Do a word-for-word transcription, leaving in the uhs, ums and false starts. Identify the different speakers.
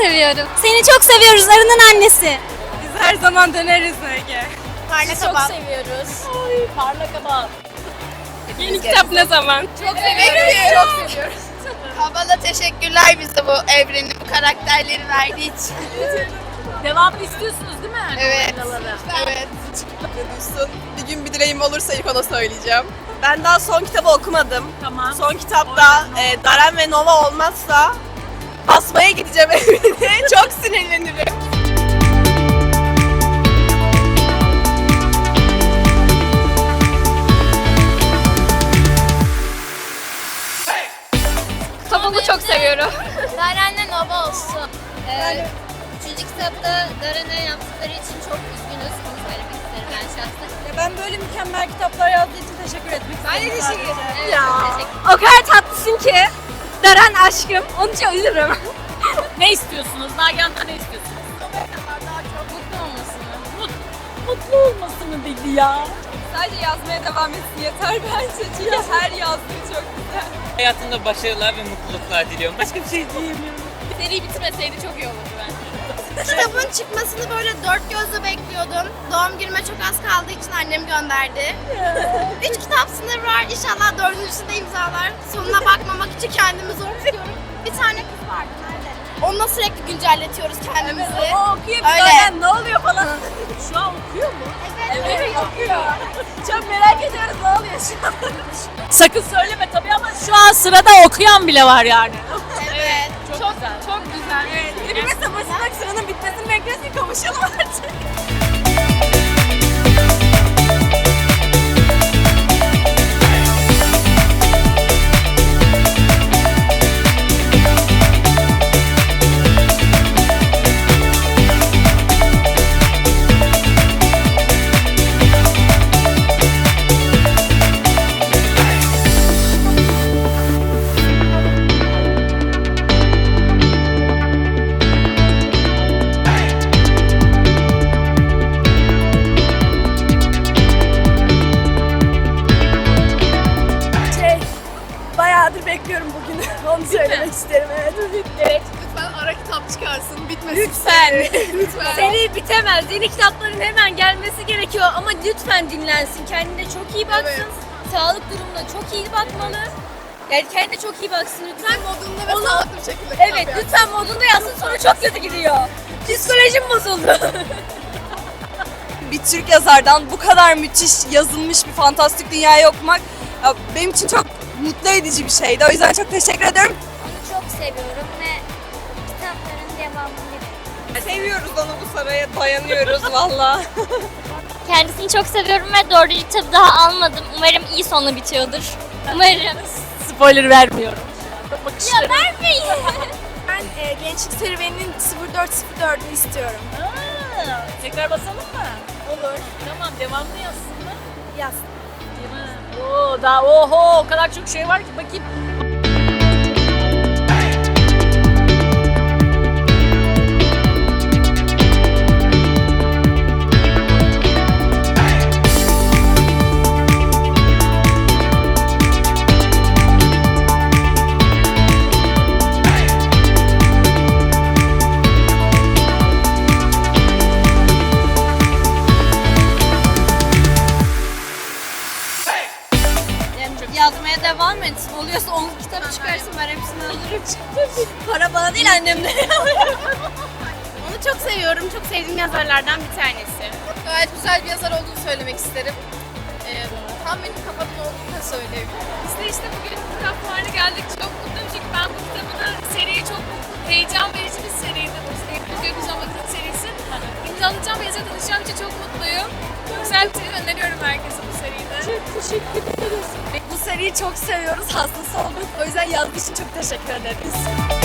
Speaker 1: seviyorum. Seni çok seviyoruz Arı'nın annesi.
Speaker 2: Biz her zaman döneriz Ege.
Speaker 1: Parlak
Speaker 3: Çok
Speaker 1: Abad.
Speaker 3: seviyoruz.
Speaker 2: Ay, parlak ama.
Speaker 3: Yeni kitap ne zaman?
Speaker 2: Çok seviyoruz. Çok seviyoruz.
Speaker 4: Abala teşekkürler bize bu evreni, bu karakterleri verdiği için.
Speaker 3: Devamını istiyorsunuz değil mi?
Speaker 4: Evet.
Speaker 2: Evet. Duysun. Bir gün bir dileğim olursa ilk ona söyleyeceğim. Ben daha son kitabı okumadım.
Speaker 3: Tamam.
Speaker 2: Son kitapta e, Daren ve Nova olmazsa basmaya gideceğim evine. Çok sinirlenirim.
Speaker 3: Kitabını çok seviyorum.
Speaker 1: Daren'le Nova olsun. Ee, üçüncü kitapta Daren'e yaptıkları için çok üzgünüz. Bunu söylemek isterim ben şahsen.
Speaker 2: Ben böyle mükemmel kitaplar yazdığı için teşekkür etmek istedim.
Speaker 1: Ben de teşekkür ederim. Evet,
Speaker 3: Ya.
Speaker 1: teşekkür
Speaker 3: O kadar tatlısın ki. Deren aşkım. Onun için ölürüm. Ne istiyorsunuz? Nagihan'dan ne istiyorsunuz?
Speaker 1: Daha çok mutlu olmasını.
Speaker 3: Mut, mutlu olmasını dedi ya.
Speaker 2: Sadece yazmaya devam etsin yeter bence. Çünkü her yazdığı çok güzel.
Speaker 5: Hayatında başarılar ve mutluluklar diliyorum. Başka bir şey diyemiyorum.
Speaker 3: Seri bitmeseydi çok iyi olurdu bence.
Speaker 4: Kitabın çıkmasını böyle dört gözle bekliyordum. Doğum günüme çok az kaldığı için annem gönderdi. Üç kitap sınırı var. İnşallah dördüncüsünde imzalar. Sonuna bakmamak için kendimi zor tutuyorum. Bir tane kız vardı nerede? Onunla sürekli güncelletiyoruz kendimizi.
Speaker 3: O okuyor bir
Speaker 4: Öyle.
Speaker 3: Deren ne oluyor falan. Şu an okuyor mu?
Speaker 4: Evet.
Speaker 3: Evet okuyor. Çok merak ediyoruz ne oluyor şu an. Sakın söyleme tabii ama şu an sırada okuyan bile var yani.
Speaker 4: Evet.
Speaker 3: Çok, çok güzel. Çok güzel. Evet.
Speaker 2: Birime savaşarak sıranın bitmesini bekliyoruz ki kavuşalım artık. Şey, bayağıdır bekliyorum bugünü. Onu söylemek isterim. Evet.
Speaker 3: Evet.
Speaker 2: Lütfen ara kitap çıkarsın. Bitmesin.
Speaker 3: Lütfen.
Speaker 2: Lütfen.
Speaker 3: Seri bitemez. Yeni kitapların hemen gelmesi gerekiyor ama lütfen dinlensin. Kendine çok iyi baksın.
Speaker 2: Evet.
Speaker 3: Sağlık durumuna çok iyi bakmalı. Yani kendine çok iyi baksın lütfen.
Speaker 2: Modunda ve
Speaker 3: Onu-
Speaker 2: sağlıklı bir şekilde kitap
Speaker 3: Evet
Speaker 2: yaz.
Speaker 3: lütfen modunda yazsın sonra çok kötü gidiyor. Psikolojim bozuldu.
Speaker 2: Bir Türk yazardan bu kadar müthiş yazılmış bir fantastik dünyayı okumak ya, benim için çok mutlu edici bir şeydi. O yüzden çok teşekkür ederim.
Speaker 1: Onu çok seviyorum ve kitapların devamını
Speaker 2: Seviyoruz onu bu saraya dayanıyoruz valla.
Speaker 1: Kendisini çok seviyorum ve dördüncü kitabı daha almadım. Umarım iyi sonla bitiyordur. Umarım.
Speaker 3: Spoiler vermiyorum.
Speaker 1: Ya vermeyin.
Speaker 2: Ben e, Gençlik Serüveni'nin sıfır dört sıfır dördünü istiyorum.
Speaker 3: Aa, tekrar basalım mı? Olur. Tamam devamlı yazsın mı?
Speaker 2: Yaz.
Speaker 3: Değil mi? Oo, daha oho o kadar çok şey var ki bakayım.
Speaker 1: Yazmaya devam etsin. Oluyorsa onun kitabı çıkarsın, ben hepsini alırım.
Speaker 3: Para bana değil annemden.
Speaker 4: Onu çok seviyorum. Çok sevdiğim yazarlardan bir tanesi.
Speaker 2: Gayet güzel bir yazar olduğunu söylemek isterim. Ee, tam benim kafamın olduğunu da söyleyebilirim.
Speaker 6: Biz de işte bugün kitap fuarına geldik. Çok mutluyum çünkü ben bu kitabı da seriyi çok heyecan verici bir seriydi. Bu Hepimiz Gökyüzü Bakın serisi. İmzalayacağım ve yazıya tanışacağım için çok mutluyum. Güzel bir seri öneriyorum herkese bu seriyi de.
Speaker 3: Çok teşekkür ederiz.
Speaker 2: Bu seriyi çok seviyoruz, hastası olduk. O yüzden yazdığı için çok teşekkür ederiz.